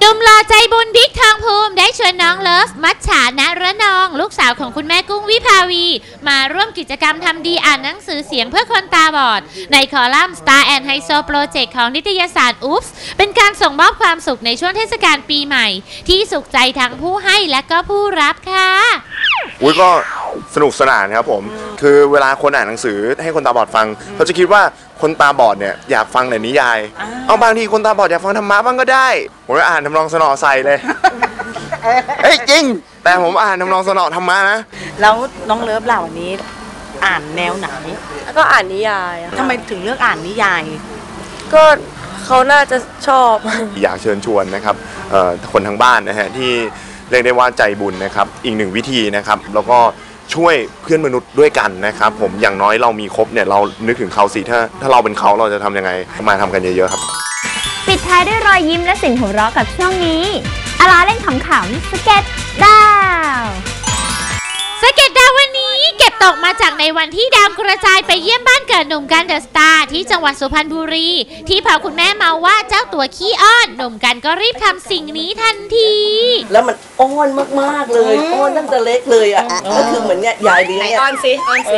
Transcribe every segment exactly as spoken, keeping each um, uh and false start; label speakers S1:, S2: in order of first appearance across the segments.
S1: หนุ่มหล่อใจบุญบิ๊กทองภูมิได้ชวนน้องเลิฟมัจฉาณระนองลูกสาวของคุณแม่กุ้งวิภาวีมาร่วมกิจกรรมทำดีอ่านหนังสือเสียงเพื่อคนตาบอดในคอลัมน์ Star and High Project ของนิตยสาร อุ๊ปส์ เป็นการส่งมอบความสุขในช่วงเทศกาลปีใหม่ที่สุขใจทั้งผู้ให้และก็ผู้รับค่ะ
S2: อุ้ยก็สนุกสนานครับผมคือเวลาคนอ่านหนังสือให้คนตาบอดฟังเขาจะคิดว่าคนตาบอดเนี่ยอยากฟังแต่นิยายเอาบางทีคนตาบอดอยากฟังธรรมะบ้างก็ได้ผมก็อ่านทำนองสนอใส่เลยเฮ้ยจริงแต่ผมอ่านทำนองสนอธรรมะนะ
S3: แล้วน้องเลิฟเหล่านี้อ่านแนวไหน
S4: ก็อ่านนิยาย
S3: ทำไมถึงเลือกอ่านนิยาย
S4: ก็เขาน่าจะชอบ
S2: อยากเชิญชวนนะครับคนทั้งบ้านนะฮะที่เรียกได้ว่าใจบุญนะครับอีกหนึ่งวิธีนะครับแล้วก็ช่วยเพื่อนมนุษย์ด้วยกันนะครับผมอย่างน้อยเรามีครบเนี่ยเรานึกถึงเขาสิถ้าถ้าเราเป็นเขาเราจะทำยังไงมาทำกันเยอะๆครับ
S5: ปิดท้ายด้วยรอยยิ้มและเสียงหัวเราะกับช่วงนี้อาลาเล่นขำๆสเก็ตดาว
S1: สเก็ตดาววันนี้เก็บตกมาจากในวันที่ดาวกระจายไปเยี่ยมบ้านเกิดหนุ่มกันเดอะสตาร์ที่จังหวัดสุพรรณบุรีที่พอคุณแม่เมาว่าเจ้าตัวขี้อ้อนหนุ่มกันก็รีบทำสิ่งนี้ทันที
S6: แล้วมันอ้อนมากๆเลยอ้อนตั้งแต่เล็กเลยอ่ะก็คือเหมือนเนี่ยยายเลี้ยง
S4: อ้อนสิอ้อนสิ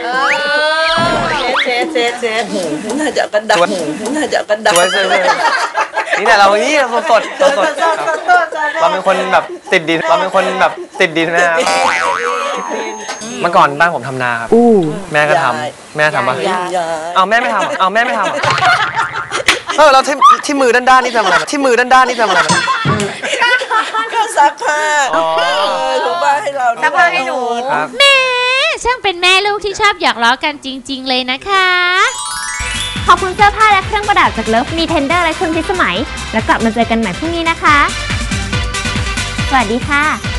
S6: เชฟเชฟเชฟน่าจะกระดับน่าจะกระดับ
S7: นี่แต่เรานี่เราสดสดเราเป็นคนแบบติดดินเราเป็นคนแบบติดดินนะครับเมื่อก่อนบ้านผมทำนาครับแม่ก็ทำแม่ทำปะเอาแม่ไม่ทำเอาแม่ไม่ทำเออเราที่ที่มือด้านด้านนี่ทำอะไรที่มือด้านด้านนี่ทำอะไร
S6: ก็ซักผ้าถูบ้านให้เรา
S4: ซักผ้าให้หนู
S1: แม่ช่างเป็นแม่ลูกที่ชอบหยอกล้อกันจริงๆเลยนะคะ
S5: ขอบคุณเสื้อผ้าและเครื่องประดับจากเลิฟมีเทนเดอร์และคุณพิสมัยแล้วกลับมาเจอกันใหม่พรุ่งนี้นะคะสวัสดีค่ะ